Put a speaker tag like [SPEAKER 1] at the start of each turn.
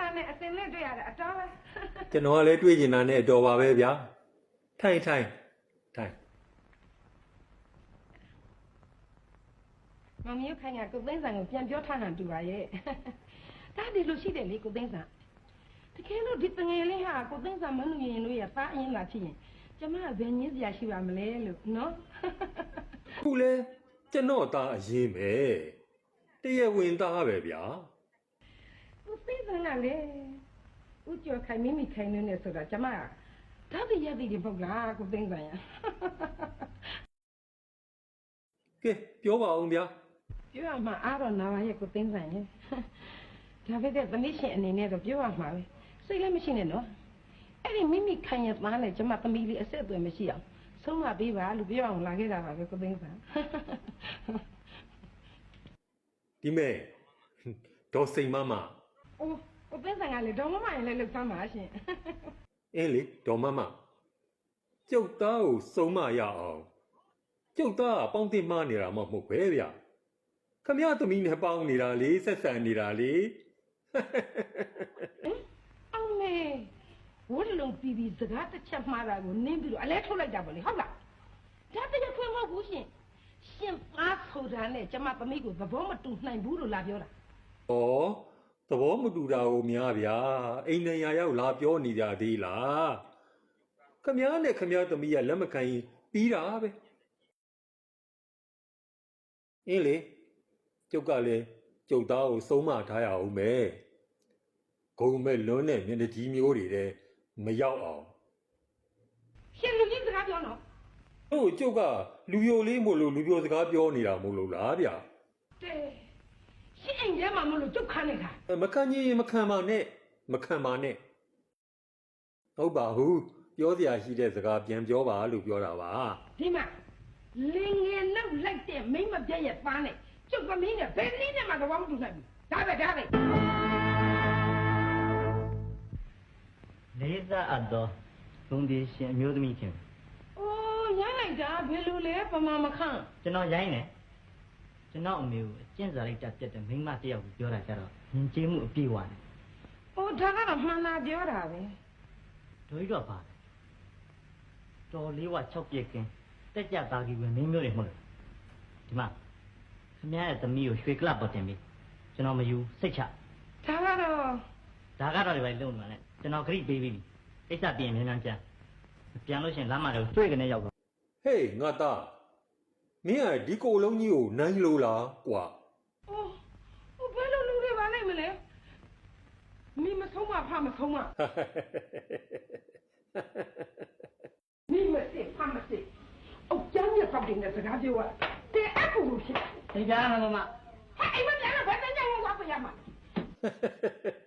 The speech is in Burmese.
[SPEAKER 1] နဲ့အတင်နဲ့တွေ့ရတာအတော်ပဲ
[SPEAKER 2] ကျွန်တော်ကလည်းတွေ့ကျင်တာနဲ့တော်ပါပဲဗျာထိုင်ထိုင်
[SPEAKER 1] မမီးခိုင်ကကိုသိန်းဆန်ကိုပြန်ပြောထားဟန်တူပါရဲ့ဒါဒီလိုရှိတယ်လေကိုသိန်းဆန်တကယ်လို့ဒီတငယ်လေးဟာကိုသိန်းဆန်မနှူရင်တို့ရသားအရင်လာဖြစ်ရင်ကျမကဘယ်ညင်းစရာရှိပါမလဲလို့နော်
[SPEAKER 2] ခုလဲကျွန်တော်သားအရင်ပဲတရားဝင်သားပဲဗျာ
[SPEAKER 1] ကိုသိန်းဆန်ကလေဦးကျော်ခိုင်မိမိခိုင်နေဆိုတာကျမကဒါဒီရသည်ဒီပုတ်လားကိုသိန်းဆန်ရ
[SPEAKER 2] ကဲပြောပါအောင်ဗျာ
[SPEAKER 1] ပြောရမှာအားတော့နာပါရဲ့ကိုသိန်းဆန်ရဲ့ဒါပဲတဲ့သမီးရှင်အနေနဲ့တော့ပြောရမှာပဲစိတ်လည်းမရှိနဲ့နော်အဲ့ဒီမိမိခိုင်ရသားနဲ့ကျမသမီးလေးအဆက်အသွယ်မရှိအောင်ဆုံးမပေးပါလို့ပြောအောင်လာခဲ့တာပါပဲကိုသိန်းဆန်
[SPEAKER 2] ဒီမဲ့ဒေါ်စိန်မမ
[SPEAKER 1] အိုးကိုသိန်းဆန်ကလေဒေါ်မမရင်လည်းလှုပ်ဆမ်းပါရှင်
[SPEAKER 2] အင်းလေဒေါ်မမကျုပ်သားကိုစုံမရအောင်ကျုပ်သားကပေါင်းတင်မနေတာမဟုတ်ပဲဗျာခမရသမီးနဲ့ပေါင်းနေတာလေဆက်ဆံနေတာလေ
[SPEAKER 1] အောင်မေဝတ်လုံးပြီးပြီးစကားတစ်ချက်မှားတာကိုနင်းပြီးတော့အလဲထုတ်လိုက်တာပေါ့လေဟုတ်လားဒါတကယ်ခွင့်မဟုတ်ဘူးရှင်ရှင်သားဆိုတာနဲ့ကျမသမီးကိုသဘောမတူနိုင်ဘူးလို့လာပြောတာ
[SPEAKER 2] ဩသဘောမတူတာကိုများဗျာအိမ်နေရရောက်လာပြောနေကြသေးလားခမရနဲ့ခမရသမီးကလက်မခံရင်ပြီးတာပဲအင်းလေကျုပ်ကလည်းကျုပ်သားကိုစုံမထားရအောင်ပဲဂုံမဲ့လွန်းတဲ့မျက်နှာကြီးမျိုးတွေတဲ့မရောက်အောင်
[SPEAKER 1] ရှင်လူကြီးစကားပြောနော်
[SPEAKER 2] တို့ကျုပ်ကလူယိုလေးမို့လို့လူပြောစကားပြောနေတာမို့လို့လားဗျာ
[SPEAKER 1] တဲ့ရှင်အိမ်ထဲမှာမလို့ကျုပ်ခန်းနေတာ
[SPEAKER 2] မခံကြီးမခံပါနဲ့မခံပါနဲ့ဟုတ်ပါဘူးပြောစရာရှိတဲ့စကားပြန်ပြောပါလို့ပြောတာပါ
[SPEAKER 1] ဒီမှာလင်ငယ်နောက်လိုက်တဲ့မိမပြည့်ရဲ့သားနဲ့ကျုပ်သမီးနဲ့ဘယ်နည်းနဲ့မှသဘောမတူနိုင်ဘူးဒါပဲ
[SPEAKER 3] လေးစားအပ်သောသုံးဒီရှင်အမျိုးသမီးချင်း
[SPEAKER 1] အိုးရိုင်းလိုက်တာဘယ်လိုလဲပမာမခန့်
[SPEAKER 3] ကျွန်တော်ရိုင်းတယ်ကျွန်တော်အမေကိုအကျင့်စာလိုက်တက်ပြတ်တဲ့မိန်းမတစ်ယောက်ကိုပြောတာကြတော့ယဉ်ကျေးမှုအပြည့်ဝတယ်
[SPEAKER 1] အိုးဒါကတော့မှန်လားပြောတာပဲ
[SPEAKER 3] ဒိုကြီးတော့ပါတယ်တော်လေးဝ6ပြက်ကင်းတက်ကြသားကြီးပဲမင်းမျိုးတွေမဟုတ်လို့ဒီမှာခင်ဗျားရဲ့သမီးကိုရွှေကလပ်ပေါ်တင်ပြီးကျွန်တော်မယူစိတ်ချ
[SPEAKER 1] ဒါကတော့
[SPEAKER 3] ဒါကတော့ဒီပိုင်းလုံနေမှာနဲ့ကျွန်တော်ဂရိပေးပြီးပြီအိတ်ဆက်ပြင်မြန်မြန်ပြန်လို့ရှင်လမ်းမှာတော့တွေ့ကနေရောက်တော့
[SPEAKER 2] ဟေးငါသားမင်းကဒီကိုယ်လုံးကြီးကိုနိုင်လို့လားကွာ
[SPEAKER 1] အိုးဟိုဘယ်လိုလူတွေပါလိုက်မလဲမိမဆုံးမဖမဆုံးမမိမစစ်ဖမစစ်အုတ်ကျန်းရဲ့ပေါက်တင်တဲ့စကားပြောရတဲ့အကူလို့ဖြစ်
[SPEAKER 3] သိကြလားမမ
[SPEAKER 1] ဟဲ့အိမ်မပြန်တော့ဘယ်တန်းကြောင်သွားပြရမှာ